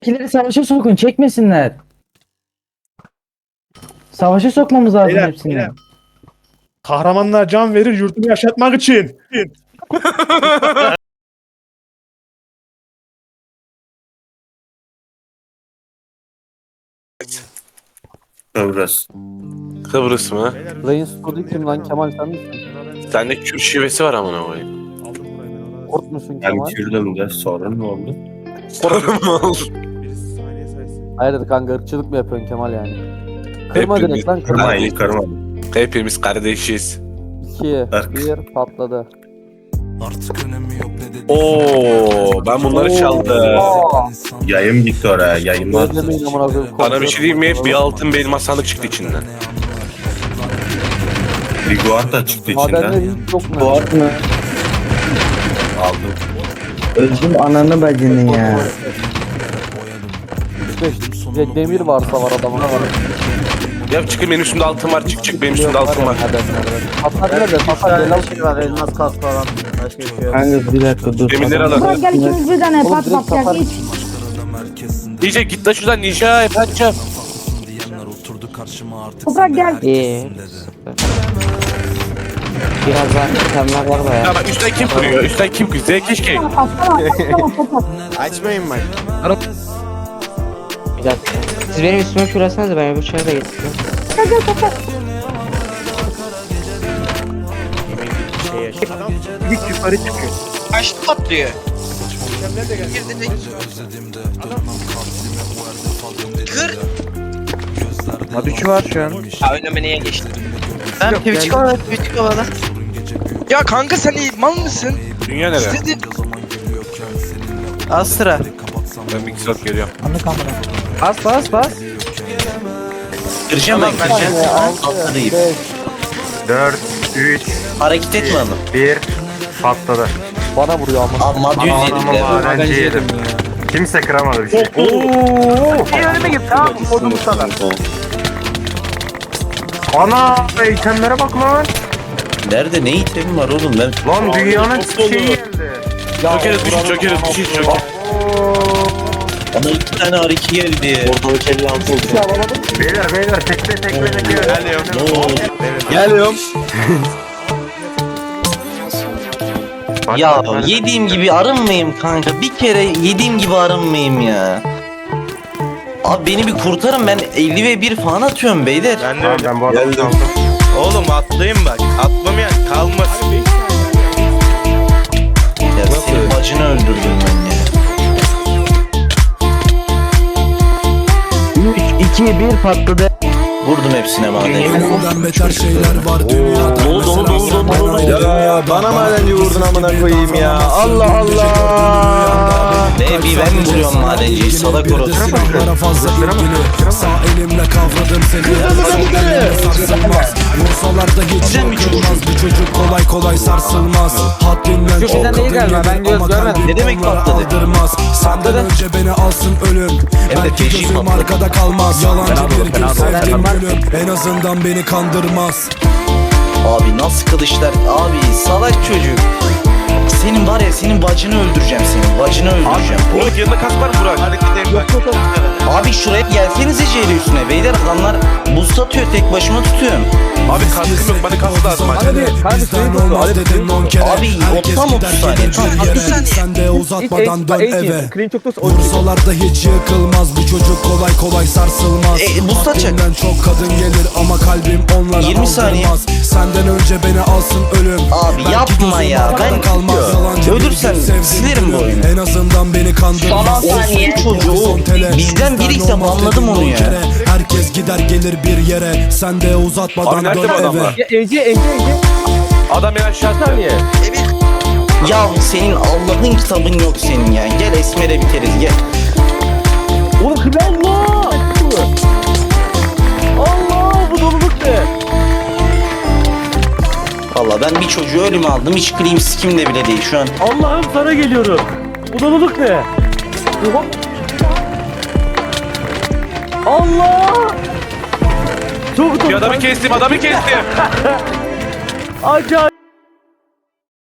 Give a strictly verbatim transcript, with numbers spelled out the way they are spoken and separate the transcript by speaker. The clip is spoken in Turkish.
Speaker 1: Pileri savaşa sokun, çekmesinler. Savaşa sokmamız lazım
Speaker 2: Beyler,
Speaker 1: hepsini.
Speaker 2: beyler. Kahramanlar can verir yurtunu yaşatmak için.
Speaker 3: Kıbrıs.
Speaker 4: Kıbrıs mı?
Speaker 5: Playing Story kim lan? Kemal sen misin?
Speaker 4: Sende Kürt şivesi var amına koyayım.
Speaker 2: Aldım burayı ben ona.
Speaker 5: Kurt musun
Speaker 3: Ben
Speaker 5: Kemal?
Speaker 3: Kürdüm de sorun ne oldu?
Speaker 2: Birisi saniye saysın.
Speaker 5: Hayır kanka ırkçılık mı yapıyorsun Kemal yani? Kırma
Speaker 4: Hepimiz-
Speaker 5: direkt lan kırma.
Speaker 3: Kırmayın kırma.
Speaker 4: Hepimiz kardeşiz.
Speaker 5: İki,
Speaker 3: Irk.
Speaker 5: bir patladı.
Speaker 6: Artık önemi yok ne dedi.
Speaker 4: Oo, ben bunları çaldım.
Speaker 3: Yayın gitti oraya yayınlar.
Speaker 5: Özlemeyin amına koyayım.
Speaker 4: Bana bir şey diyeyim mi? Bir altın bir elmas sandık çıktı içinden.
Speaker 3: Bir guard da çıktı
Speaker 5: Madenler
Speaker 3: içinden.
Speaker 5: hiç yok mu?
Speaker 1: Boğaz mı?
Speaker 3: Aldım.
Speaker 1: Öldüm ananı bacını ya.
Speaker 5: beş de- demir varsa var adamın.
Speaker 4: Ya çıkın benim üstümde altın var. Çık çık benim üstümde altın var.
Speaker 5: Patlar nerede? Patlar gel al.
Speaker 7: şey var, elmas kas falan. Başka bir şey yok.
Speaker 1: Kanka bir dakika dur.
Speaker 4: Demirleri
Speaker 1: Adam-
Speaker 4: alalım.
Speaker 8: Gel ikimiz birden hep
Speaker 5: Oğlum
Speaker 8: pat
Speaker 5: direkt
Speaker 8: pat gel
Speaker 5: kapar.
Speaker 8: geç.
Speaker 4: Ninja git la şuradan Ninja. Yapacağım.
Speaker 6: Diyenler oturdu karşıma artık.
Speaker 8: Toprak gel.
Speaker 9: İyi. Biraz daha itemler var da ya.
Speaker 4: Ya bak üstten kim kuruyor? Üstten kim kuruyor? Zevk keşke.
Speaker 8: Patlama patlama patlama.
Speaker 7: Açmayın bak.
Speaker 9: Bir dakika. Siz benim üstüme kürasınız da ben öbür çaya da getireyim.
Speaker 8: Gel gel patlama.
Speaker 2: İlk yukarı çıkıyor.
Speaker 10: Kaç patlıyor? Kır.
Speaker 7: Madüçü var şu an.
Speaker 10: Ha önüme niye geçti? Ben Twitch kovada, Twitch kovada. Ya kanka sen iyi mal mısın?
Speaker 4: Dünya nere?
Speaker 10: İstediğin...
Speaker 7: Astra.
Speaker 4: Ben bir saat geliyorum.
Speaker 7: Bas bas bas.
Speaker 10: Kıracağım ben kıracağım.
Speaker 5: Atlayayım.
Speaker 7: dört, üç,
Speaker 10: Hareket etme oğlum.
Speaker 7: bir. Patladı.
Speaker 5: Bana vuruyor ama.
Speaker 10: Amma düz yedim de.
Speaker 7: Madenci yedim. Kimse kıramadı bir şey. İyi önüme git tamam. Kodum sana. Ana itemlere bak lan.
Speaker 3: Nerede ne itemim var oğlum ben?
Speaker 7: Lan dünyanın şeyi geldi.
Speaker 4: Çökeriz düşün çökeriz düşün çökeriz.
Speaker 3: Bana iki tane R iki geldi. Ortalık elli altı oldu.
Speaker 7: Beyler beyler tekle tekle tekle. Geliyorum.
Speaker 3: Ne oldu?
Speaker 10: Geliyorum. Ya yediğim gibi arınmayayım kanka. Bir kere yediğim gibi arınmayayım ya. Abi beni bir kurtarın, ben elli ve bir falan atıyorum beyler.
Speaker 7: Ben de öyle. Ben bu adamı
Speaker 3: Geldim.
Speaker 7: aldım.
Speaker 10: Oğlum atlayayım bak. Atmamayan kalmasın.
Speaker 3: Ya senin bacını öldürdüm ben ya.
Speaker 1: üç, iki, bir patladı.
Speaker 3: Vurdum hepsine madeni.
Speaker 6: Ölümden beter şeyler var dünyada.
Speaker 3: Ne oldu oldu oldu oldu.
Speaker 6: Ya bana madenci vurdun amına koyayım ya. Allah Allah.
Speaker 3: Ne bir ben mi vuruyorum madenciyi salak orası.
Speaker 6: Silahlara fazla ilgili. Sağ elimle kavradım seni. Elimle sarsılmaz. Vursalar da hiç yorulmaz. Bu çocuk kolay kolay sarsılmaz. Haddinden çok
Speaker 5: bizden değil
Speaker 6: kadın
Speaker 5: galiba, ben
Speaker 6: gelir
Speaker 5: göz
Speaker 6: ama
Speaker 5: görmedim.
Speaker 6: kalbim
Speaker 3: Ne demek
Speaker 6: onlara
Speaker 3: patladı?
Speaker 6: aldırmaz. Senden önce beni alsın ölüm.
Speaker 3: Hem de
Speaker 6: Belki
Speaker 3: peşin
Speaker 6: gözüm
Speaker 3: patladı.
Speaker 6: arkada kalmaz. Yalancı bir gün sevdim gülüm. En azından beni kandırmaz.
Speaker 3: Abi nasıl kılıçlar? Abi salak çocuk. Senin var ya senin bacını öldüreceğim senin. Bacını öldüreceğim.
Speaker 4: Burak yanında kaç var Burak? Hadi gidelim bak.
Speaker 3: Abi şuraya gelsenize C'li üstüne. Beyler adamlar buz satıyor, tek başıma tutuyorum.
Speaker 4: Abi kaskım yok, bana kask lazım.
Speaker 5: Hadi hadi
Speaker 6: Bizden olmaz dedim on kere.
Speaker 3: Abi,
Speaker 6: Herkes
Speaker 3: tam
Speaker 6: gider
Speaker 3: otuz saniye,
Speaker 6: gelir
Speaker 3: tam
Speaker 6: bir
Speaker 3: otuz
Speaker 6: yere.
Speaker 10: saniye.
Speaker 6: Sen de uzatmadan dön eve.
Speaker 5: Clean çok da
Speaker 6: Vursalar da hiç yıkılmaz. Bu çocuk kolay kolay sarsılmaz.
Speaker 3: E, buz satacak.
Speaker 6: Haddinden çok kadın gelir ama kalbim onlara
Speaker 3: yirmi saniye.
Speaker 6: aldırmaz. Senden önce beni alsın ölüm.
Speaker 3: Abi
Speaker 6: Belki
Speaker 3: yapma
Speaker 6: gözüm
Speaker 3: ya,
Speaker 6: arkada
Speaker 3: ben-
Speaker 6: kalmaz. Yalancı bir
Speaker 3: Ölürsen
Speaker 6: gün sevdim
Speaker 3: silerim bu
Speaker 6: gülüm.
Speaker 3: oyunu.
Speaker 6: En azından beni kandırmaz.
Speaker 3: saniye. Çocuğu bizden biriyse anladım onu ya.
Speaker 6: Herkes gider gelir bir yere. Sen de uzatmadan
Speaker 4: Abi nerede
Speaker 6: dön
Speaker 4: bu
Speaker 6: eve.
Speaker 4: adamlar?
Speaker 5: Ece Ece Ece.
Speaker 4: Adam ya aşağı attı.
Speaker 3: Ya senin Allah'ın kitabın yok senin ya. Gel Esmer'e biteriz gel.
Speaker 5: Oğlum kıble Allah. Allah bu doluluk ne?
Speaker 3: Valla ben bir çocuğu ölüme aldım. Hiç clean skim'de bile değil şu an.
Speaker 5: Allah'ım sana geliyorum. Bu doluluk ne? Oha. Allah! Çok
Speaker 4: Bir adamı kestim adamı kestim.
Speaker 5: acayip.